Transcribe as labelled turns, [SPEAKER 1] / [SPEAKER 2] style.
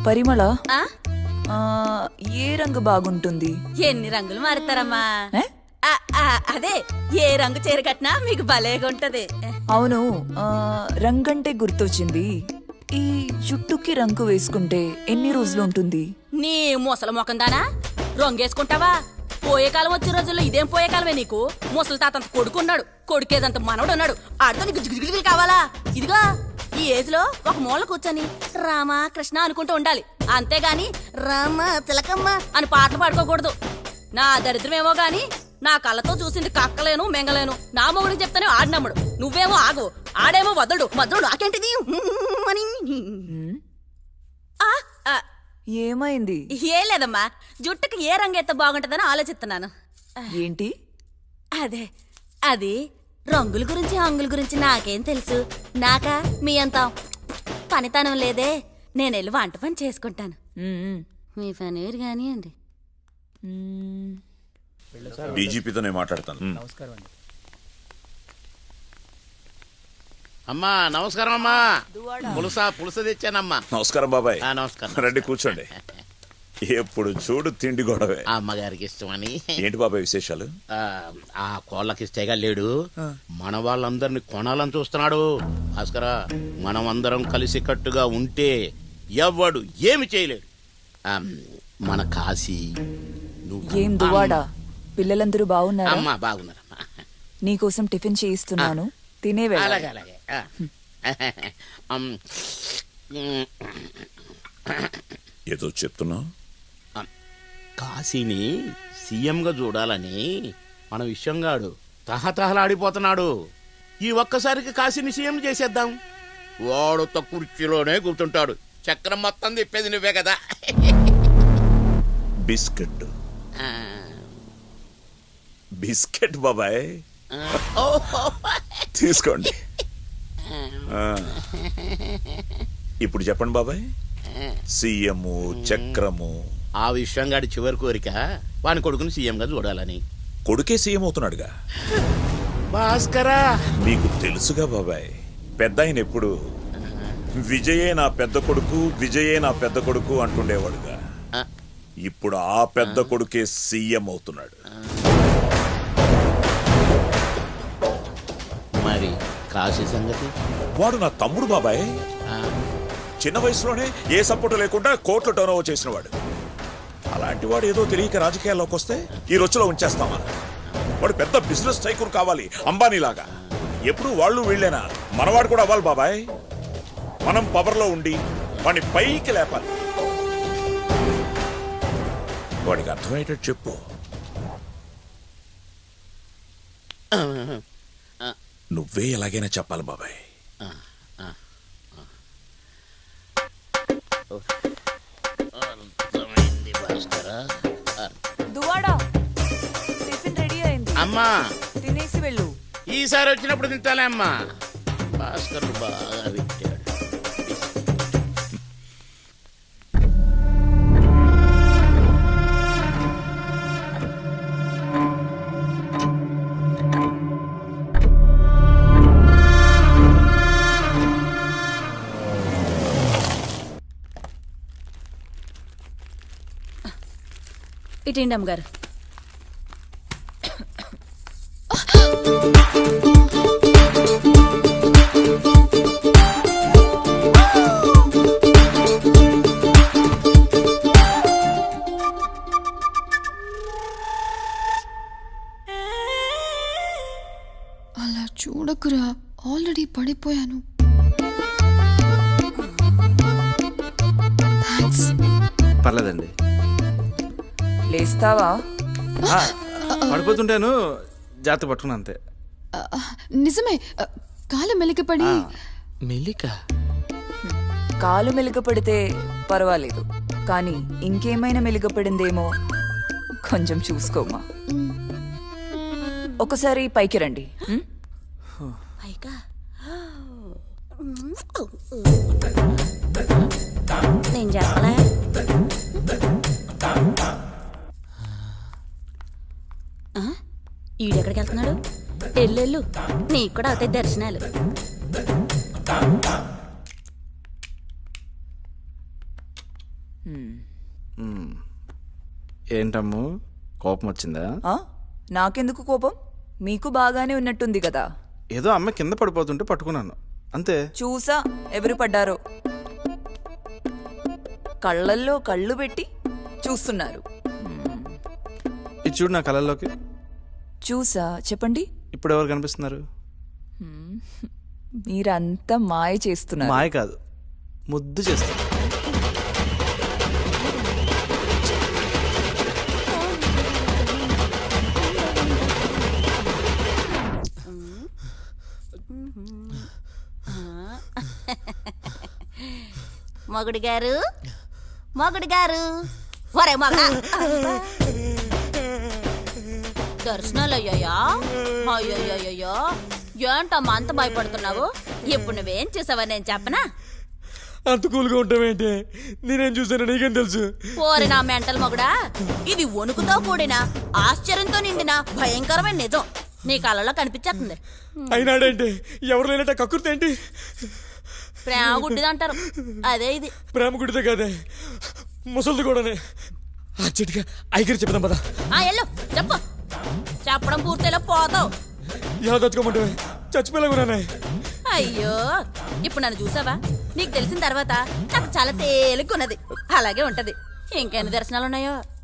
[SPEAKER 1] పరిమళ
[SPEAKER 2] ఆ?
[SPEAKER 1] ఏ రంగు బాగుంటుంది?
[SPEAKER 2] ఎన్ని రంగులు మారుతారమ్మా?
[SPEAKER 1] ఏ?
[SPEAKER 2] అదే ఏ రంగు చీర కట్టినా మీకు భలేగా ఉంటది.
[SPEAKER 1] అవును, రంగంటే గుర్తొచ్చింది. ఈ జుట్టుకి రంగు వేసుకుంటే ఎన్ని రోజులు ఉంటుంది?
[SPEAKER 2] నీ ముసలి ముఖం దానా రంగేసుకుంటావా? పోయే కాలం వచ్చే రోజుల్లో ఇదేం పోయే కాలమే నీకు. ముసలి తాతంత కొడుకున్నాడు, కొడుకేదంత మనవడు ఉన్నాడు. ఆడితో నీకు జిగిజిగిజిగిలు కావాలా? ఇదిగో ఈ ఏజ్ లో ఒక మూల కూర్చొని రామా కృష్ణ అనుకుంటూ ఉండాలి, అంతేగాని రామ తిలకమ్మ అని పాటలు పాడుకోకూడదు. నా దరిద్రమేమో గాని నా కళ్ళతో చూసింది కక్కలేను మెంగలేను. నా మొగుడికి చెప్తానే ఆడినమ్ముడు, నువ్వేమో ఆగు, ఆడేమో వదలడు, మద్దడు నాకేంటిది అని.
[SPEAKER 1] ఏమైంది?
[SPEAKER 2] ఏం లేదమ్మా, జుట్టుకి ఏ రంగు ఎత్త బాగుంటుందని ఆలోచిస్తున్నాను.
[SPEAKER 1] ఏంటి?
[SPEAKER 2] అదే అది రంగుల గురించి హంగుల గురించి నాకేం తెలుసు. నాకా మీ అంత పనితనం లేదే. నేను వెళ్ళి వంట పని చేసుకుంటాను. మీ పని కానీ అండి.
[SPEAKER 3] డీజీపీతో నేను మాట్లాడతాను.
[SPEAKER 4] అమ్మా నమస్కారం అమ్మా. పులుస తెచ్చానమ్మా.
[SPEAKER 3] నమస్కారం బాబాయ్.
[SPEAKER 4] నమస్కారం.
[SPEAKER 3] రండి కూర్చోండి. ఎప్పుడు చూడు తిండి గొడవే.
[SPEAKER 4] అమ్మగారికి ఇష్టమని.
[SPEAKER 3] ఏంటి బాబాయ్ విశేషాలు?
[SPEAKER 4] ఆ కోళ్ళకి ఇష్టేగా లేడు, మన వాళ్ళందరినీ కొనాలని చూస్తున్నాడు. భాస్కర, మనం అందరం కలిసి కట్టుగా ఉంటే ఎవ్వడు ఏమి చేయలేడు. మన కాశీ
[SPEAKER 1] ఏం దువాడా, పిల్లలందరూ బాగున్నారా?
[SPEAKER 4] అమ్మా బాగున్నారమ్మా.
[SPEAKER 1] నీకోసం టిఫిన్ చేయిస్తున్నాను, తినే
[SPEAKER 4] అలాగే అలాగే.
[SPEAKER 3] ఏదో చెప్తున్నావు?
[SPEAKER 4] కాశీని సీఎంగా చూడాలని మన విషయంగాడు తహతహలాడిపోతున్నాడు. ఈ ఒక్కసారికి కాశీని సీఎం చేసేద్దాం. వాడుతో కుర్చీలోనే కూర్చుంటాడు, చక్రం మొత్తం తిప్పేది నువ్వే కదా.
[SPEAKER 3] బిస్కెట్ బిస్కెట్ బాబాయ్, తీసుకోండి. ఇప్పుడు చెప్పండి బాబాయ్, సీఎం చక్రము.
[SPEAKER 4] ఆ విషయంగాడి చివరి కోరిక వాని కొడుకుని సీఎంగా చూడాలని.
[SPEAKER 3] కొడుకే సీఎం అవుతున్నాడుగా.
[SPEAKER 4] భాస్కరా,
[SPEAKER 3] మీకు తెలుసుగా బాబాయ్, పెద్ద ఆయన ఎప్పుడు విజయే నా పెద్ద కొడుకు, విజయే నా పెద్ద కొడుకు అంటుండేవాడుగా. ఇప్పుడు ఆ పెద్ద కొడుకే సీఎం అవుతున్నాడు.
[SPEAKER 4] మరి కాశీ సంగతి?
[SPEAKER 3] వాడు నా తమ్ముడు బాబాయ్. చిన్న వయసులోనే ఏ సపోర్టు లేకుండా కోట్లు టర్న్ ఓవర్ చేసిన వాడు. అలాంటి వాడు ఏదో తెలియక రాజకీయాల్లోకి వస్తే ఈ రొచ్చులో ఉంచేస్తామా? వాడు పెద్ద బిజినెస్ టైకూన్ కావాలి, అంబానీలాగా. ఎప్పుడు వాళ్ళు వీళ్ళేనా? మనవాడు కూడా అవ్వాలి బాబాయ్. మనం పవర్లో ఉండి వాడిని పైకి లేపాలి. వాడికి అర్థమయ్యేటట్టు చెప్పు. నువ్వే ఎలాగైనా చెప్పాలి బాబాయ్.
[SPEAKER 1] దువాడా, టిఫిన్ రెడీ అయింది,
[SPEAKER 4] అమ్మా
[SPEAKER 1] తినేసి వెళ్ళు.
[SPEAKER 4] ఈసారి వచ్చినప్పుడు తింటాలే అమ్మా. భాస్కర్ బాగా పెట్టాడు.
[SPEAKER 2] ఇటండి అమ్మగారు.
[SPEAKER 5] అలా చూడకురా, ఆల్రెడీ పడిపోయాను.
[SPEAKER 6] పర్లేదండి.
[SPEAKER 1] లేస్తావా?
[SPEAKER 6] పడిపోతుంటాను, జాగ్రత్త పట్టుకున్నా అంతే.
[SPEAKER 5] నిజమే, కాలు మెలికపడి.
[SPEAKER 6] మెలిక?
[SPEAKER 1] కాలు మెలికపడితే పర్వాలేదు, కానీ ఇంకేమైనా మెలికపడిందేమో కొంచెం చూసుకోమా. ఒకసారి పైకి రండి.
[SPEAKER 2] నేను చెప్పలే. ఈడెక్కడికి వెళ్తున్నాడు? ఎల్లెళ్ళు, నీకు కూడా అవుతాయి దర్శనాలు.
[SPEAKER 6] ఏంటమ్ము కోపం వచ్చిందా?
[SPEAKER 1] ఆ? నాకెందుకు కోపం? మీకు బాగానే ఉన్నట్టుంది కదా.
[SPEAKER 6] ఏదో అమ్మ కింద పడిపోతుంటే పట్టుకున్నాను అంతే.
[SPEAKER 1] చూసా ఎవరు పడ్డారో. కళ్ళల్లో కళ్ళు పెట్టి చూస్తున్నారు.
[SPEAKER 6] ఇది చూడు నా కళల్లోకి.
[SPEAKER 1] చూసా, చెప్పండి.
[SPEAKER 6] ఇప్పుడు ఎవరు కనిపిస్తున్నారు?
[SPEAKER 1] మీరంతా మాయ చేస్తున్నారు.
[SPEAKER 6] మాయ కాదు, ముద్దు చేస్తారు.
[SPEAKER 2] మొగుడు గారు, మొగుడు గారు, ఒరే మగడా, దర్శనాలు అయ్యాయా? అయ్యయ్యో, ఏంటమ్మా అంత భయపడుతున్నావు? ఇప్పుడు నువ్వేం చూసావా నేను చెప్పనా?
[SPEAKER 7] అంత కూల్గా ఉంటావేంటి? నేనేం చూసాను నీకేం తెలుసు?
[SPEAKER 2] ఓరి నా మెంటల్ మొగుడా, ఇది వణుకుతో కూడిన ఆశ్చర్యంతో నిండిన భయంకరమైన నిజం నీ కళ్ళలో కనిపించేస్తుంది.
[SPEAKER 7] అయినాడేంటి? ఎవరు లేనట్ట కక్కుర్తేంటి?
[SPEAKER 2] ప్రేమ గుడ్డిదంటారు, అదే ఇది.
[SPEAKER 7] ప్రేమ గుడితే కాదే, ముసలిది కూడానే. అచ్చటిగా ఐగరి చెప్దాం పదా.
[SPEAKER 2] ఎల్లు చెప్పు. చెప్పడం పూర్తిలో పోతావు.
[SPEAKER 7] ఎలా తెచ్చుకోమంటే చచ్చిపోలేకున్నానే.
[SPEAKER 2] అయ్యో, ఇప్పుడు నన్ను చూసావా? నీకు తెలిసిన తర్వాత నాకు చాలా తేలిగ్గున్నది. అలాగే ఉంటది. ఇంకెన్ని దర్శనాలు ఉన్నాయో.